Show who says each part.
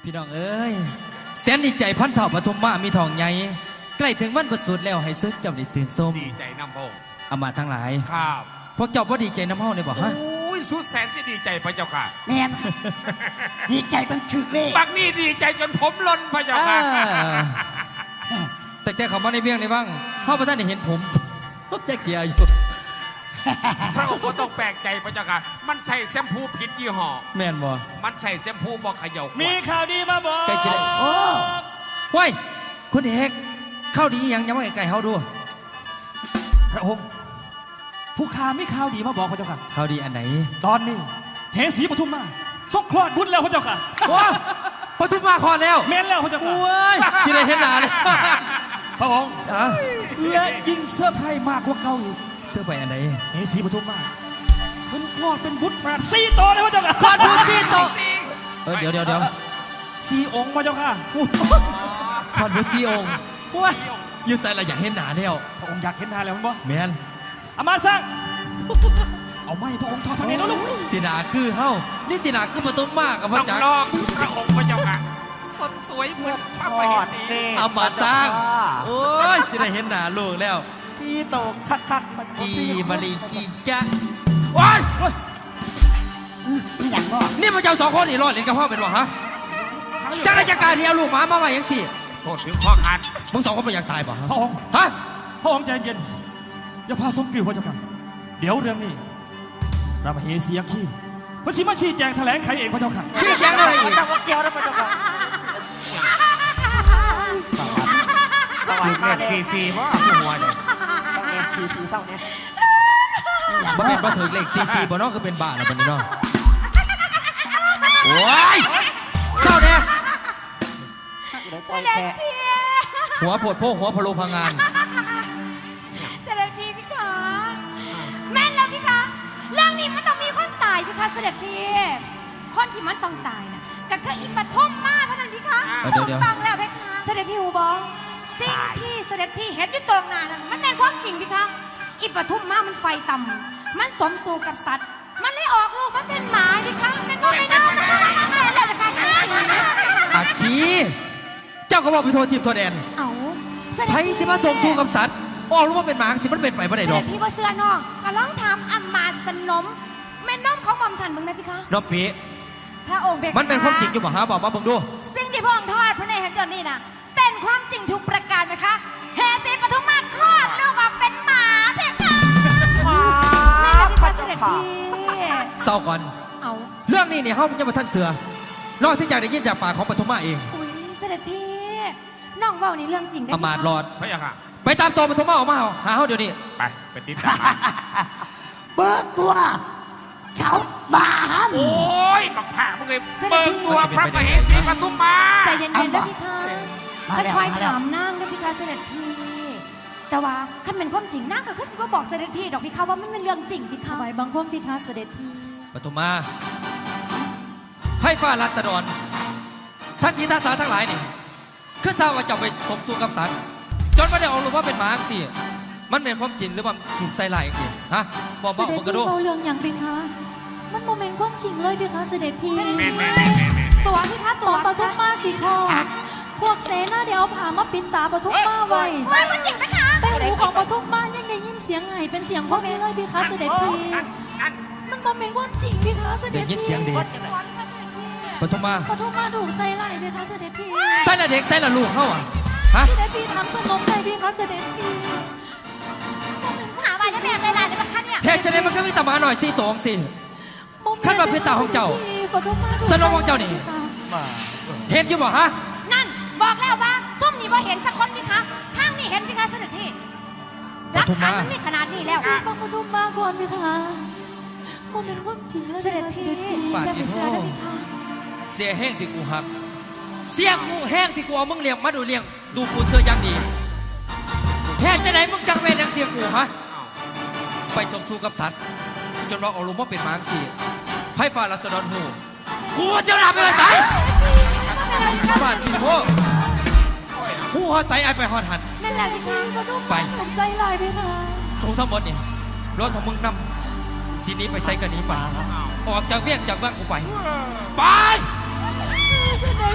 Speaker 1: พี่น้องเอ้ยแสนดีใจพันเถ่าปฐมมามีทองใหญ่ใกล้ถึงวันประสูติแล้วให้ซึกเจ้าได้ซื่นส้ม
Speaker 2: ดีใจน้ำพง
Speaker 1: อามาทั้งหลาย
Speaker 2: ครับ
Speaker 1: พวกเจ้าพ่ดีใจน้ำเฮาเนี่ยบอกฮะ
Speaker 2: โอ้ยสุดแสนจะดีใจพระเจ้าค่ะ
Speaker 3: แน่นดีใจตั้งถึกเลย
Speaker 2: บักนี่ดีใจจนผมล้นพระเจ้าค่ะ
Speaker 1: แต่เขามาในเบี้ยงในบ้างเฮาพระท่านได้เห็นผมแจ๊กเกียร์อยู่
Speaker 2: พระองค์ก็ต้องแปลกใจพระเจ้าค่ะมันใช่แชมพูผิดยี่ห้อ
Speaker 1: แม่นบ่
Speaker 2: มันใช่แชมพูบอกเขย่าขวด
Speaker 4: มีข่าวดีมาบอก
Speaker 1: ใกล้สิได้โอ้เว้ยคุณเอกเข้าดียังยังว่าไก่เฮาดู
Speaker 4: พระองค์ผู้ข้ามีข่าวดีมาบอกพระเจ้าค่ะ
Speaker 1: เข้าดีอันไหน
Speaker 4: ตอนนี้เหสีปทุมมาสกคลอดบุตรแล้วพระเจ้าค่ะ
Speaker 1: ว้าปทุมมาคลอดแล้ว
Speaker 4: แม่นแล้วพระเจ้าค่ะ
Speaker 1: โอ้ยสิได้เห็นหน้าเลย
Speaker 4: พระองค์
Speaker 1: อ่ะ
Speaker 4: และยิ่งเสื้อร์ไพรส์มากกว่าเก่าอีก
Speaker 1: เสื้อไปอันไหน
Speaker 4: เหสีปทุมมามันคลอดเป็นบุตรแฝด4ตัวเลยพระเจ้าค่ะ
Speaker 1: คลอดบุตร4ตัว เดี๋ยว
Speaker 4: 4 องค์พระเจ้าค่ะ
Speaker 1: คลอดบุตร4 องค์ว้ยยืดใส่ละอยากเห็นหน้าแล้ว
Speaker 4: พระองค์อยากเห็นหน้าแล้วมั้งบ่
Speaker 1: แมน
Speaker 4: อามาสร้างเอาไม่พระองค์ทอดพระเนตรแล้วลูก
Speaker 1: สีหนาคือเฮ้านี่สีหนาคือปทุมมากับพ
Speaker 2: ต้
Speaker 1: ระ
Speaker 2: อง
Speaker 1: จักร
Speaker 2: ลองพระองค์พระเจ้าค่ะสดสวยเหมือนพระมเหสี
Speaker 1: เอามาสร้าง โอ้ยสิได้เห็นหน้าลูกแล้ว
Speaker 3: ซีโตกคักมัน
Speaker 1: กีมารีกีจ้ะ
Speaker 2: ว้าย
Speaker 3: นี่อย่างก็
Speaker 1: นี่พระเจ้า2 คนนี่รอดเล่นกับพ่อเป็นวะฮะจักรจักรที่เอาลูกหมาอย่างสิ
Speaker 2: โทษถึงข้อขาด
Speaker 1: มึง2 คนไม่อยากตายป่ะฮะ
Speaker 4: พระองค์
Speaker 1: ฮะ
Speaker 4: พระองค์ใจเย็นอย่าพาสมปิวพระเจ้าค่ะเดี๋ยวเรื่องนี้พระมเหสียักษ์ขี้พระชิมาชี้แจงแถลงไขเองพระเจ้าค่ะ
Speaker 1: ชี้แจงอะไรอีก
Speaker 3: แต่ว่าเกี่ยวนะพระเจ้าค่ะสวัส
Speaker 2: ถู
Speaker 3: ดี
Speaker 2: ก
Speaker 3: มา
Speaker 2: เรียก
Speaker 3: เล
Speaker 2: ซี
Speaker 3: ย
Speaker 2: ซีว่าผู้หัวเนี่ย
Speaker 3: ต้องเอ็นซีเศร้าเนี่ย
Speaker 1: บ่เป็นบ่ถึงเลข44บ่เนาะคือเป็นบ้าแล้วบัดนี้เนาะโอ้ยเศร้าแน่
Speaker 3: เลยปล่อยแค่
Speaker 1: หัวปวดโพกหัวพะโลพังงาน
Speaker 5: เสด็จพี่พี่คะแม่นแล้วพี่คะเรื่องนี้มันต้องมีคนตายพี่คะเสด็จพี่คนที่มันต้องตายนะก็คืออีปฐมมาเท่านั้นพี่คะ
Speaker 1: เดี๋ยว
Speaker 5: ถูกต้องแล้วพี่คะเสด็จพี่หูบองสิ่งที่เสด็จพี่เห็นอยู่ตรงหน้านั้นมันเป็นความจริงพี่คะอีปฐมมามันไฟต่ำมันสมสู่กับสัตว์ มันเลยออกลูกมันเป็นหมาพี่คะเป็นพ่อไม่น้องนะแล้วพี่คะ
Speaker 1: อาคีเจ้าก็บอกไปโทษทีมโทษแดน
Speaker 5: เอาเสด็จ
Speaker 1: ไผ
Speaker 5: พี่
Speaker 1: สิมาส่งสู้กับสัตว์ออกรู้ว่าเป็นหมาสิมันเป็นไปบ่ได้
Speaker 5: เส
Speaker 1: ดอ
Speaker 5: ด็
Speaker 1: ก
Speaker 5: จพี่ว่าเสื้อน้องก็ลองถามอามาสนมแม่น้อมของหม่อมฉันมึงไหมพี่คะ
Speaker 1: นอปี
Speaker 5: พระองค์เบ
Speaker 1: มันเป็นความจริงอยู่บ่หาบอกมาเบิ่งดู
Speaker 5: สิ่งที่พระองค์ทอดพระเนตรเห็นจนนี่นะเป็นความจริงทุกประการไหมคะเฮสีปทุมมาคลอดลูกออกเป็นหมาเพคะแม่พี่คะเสด็จพี่
Speaker 1: เศร้าก่อน
Speaker 5: เอา
Speaker 1: เรื่องนี้เนี่ยเฮาจะมาท่านเสือนอกจากได้ยินจากปากของปฐมมาเอง
Speaker 5: อุ้ยเสด็จพี่น้องเว้านี่เรื่องจริงได้
Speaker 1: อำมาตย์รอด
Speaker 2: พระเจ้าค่ะ
Speaker 1: ไปตามตัวปฐมมาออกมาหาเฮาเดี๋ยวนี้
Speaker 2: ไปติดตามมา
Speaker 3: เบิกตัวเขาบาห
Speaker 2: โอ้ยบักผ่าพวกไอ้เบิกตัวพระมเหสีปทุมมา
Speaker 5: ใจเย็นๆด้วยพี่คะค่อยๆถามนางด้วยพี่คะเสด็จพี่แต่ว่าคันเป็นความจริงนางก็คือสิว่าบอกเสด็จพี่ดอกพี่คะว่ามันเป็นเรื่องจริงพี่คะไว้บางคนพี่คะเสด็จพี่
Speaker 1: ปฐมมาให้ฟ้ารัศดรท่านศรีท่านสาทั้งหลายนี่คือทราบว่าเจ้าไปสมสู่กับสัตว์จนไม่ได้ออกรู้ว่าเป็นหมาสิมันเป็นความจริงหรือว่าถูกใส่ลายจริงฮะบอก
Speaker 6: เส
Speaker 1: บอก
Speaker 6: ด็จ
Speaker 1: ผมกระ
Speaker 6: พี่
Speaker 1: ดู
Speaker 6: เบาเรื่องอย่างเป็นคะมันโมเมนต์ความจริงเลยเป็นคะเสด็จพี่
Speaker 2: แม่
Speaker 5: ตัวพี่คะ
Speaker 6: ต
Speaker 5: ตัว
Speaker 6: อนปทุมมาสีทองพวกเสนาเดี๋ยวเอาผ้ามาปิดตาปทุมมาไว้
Speaker 5: เฮ้ยมันจริงไหมคะ
Speaker 6: แต่หูของปทุมมายังได้ยินเสียงไห้เป็นเสียงพ่อแม่เลยพี่คะเสด็จพี่
Speaker 2: นั่น
Speaker 6: มันโมเมนต์ความจริงพี่คะเสด็
Speaker 1: ได้
Speaker 6: จ
Speaker 1: ยิน
Speaker 6: พี่
Speaker 1: เสียงเด็กปฐมมา
Speaker 6: ปทุมมาถูกใส่ไหล่พี่คะเสด็จพี่
Speaker 1: ใส่ละเด็กใส่ละลูกเขาอ่ะฮะ
Speaker 6: เสด็จพี่ทำสนมเลยพี่คะเสด็จพี่
Speaker 5: ถามว่าจะแม่ใจร้ายได้ไหมคะเนี่ย
Speaker 1: แทนจะได้มันก็มีตาหมาหน่อยสิตองสิ
Speaker 6: โมเมนต์
Speaker 1: ขั้นมาเป็นตาของเจ้า
Speaker 6: ปทุมมาถูก
Speaker 1: สนมของเจ้านี่ เห็นอยู่บ่ฮะ
Speaker 5: นั่นบอกแล้วว่าส้มนี่ว่าเห็นสักคนพี่คะทางนี่เห็นพี่คะเสด็จพี่หลักฐานมันมีขนาดนี้แล้ว
Speaker 6: ฟังปทุมมาก่อนพี่คะโมเมนต์ความจริงเลย
Speaker 5: เสด็จพี่จะไปเสือได้พี่คะ
Speaker 1: เสียแห้งที่กูหัก เสียกูแห้งที่กูเอามึงเลี้ยงมาดูเลี้ยงดูกูเสื้อยังดีแทนจะไหนมึงจังเวรยังเสียกูฮะไปสมสู่กับสัตว์จนเราเอาลงว่าเป็นหมางสีไพ่ฟ้าลัสดรหูกูจะรับไปเลยไสบ้านพี่พวกหูหอดใสไอไปหอดหัน
Speaker 5: นั่นแหละพี่คะ
Speaker 1: ไป
Speaker 6: ผมใจลายไปค่ะ
Speaker 1: สูงทั้งหมดนี่รถของมึงนำสีนี้ไปใส่กันนี้ไปออกจากเวียงจากบ้านกูไป ไป
Speaker 6: เสด็จ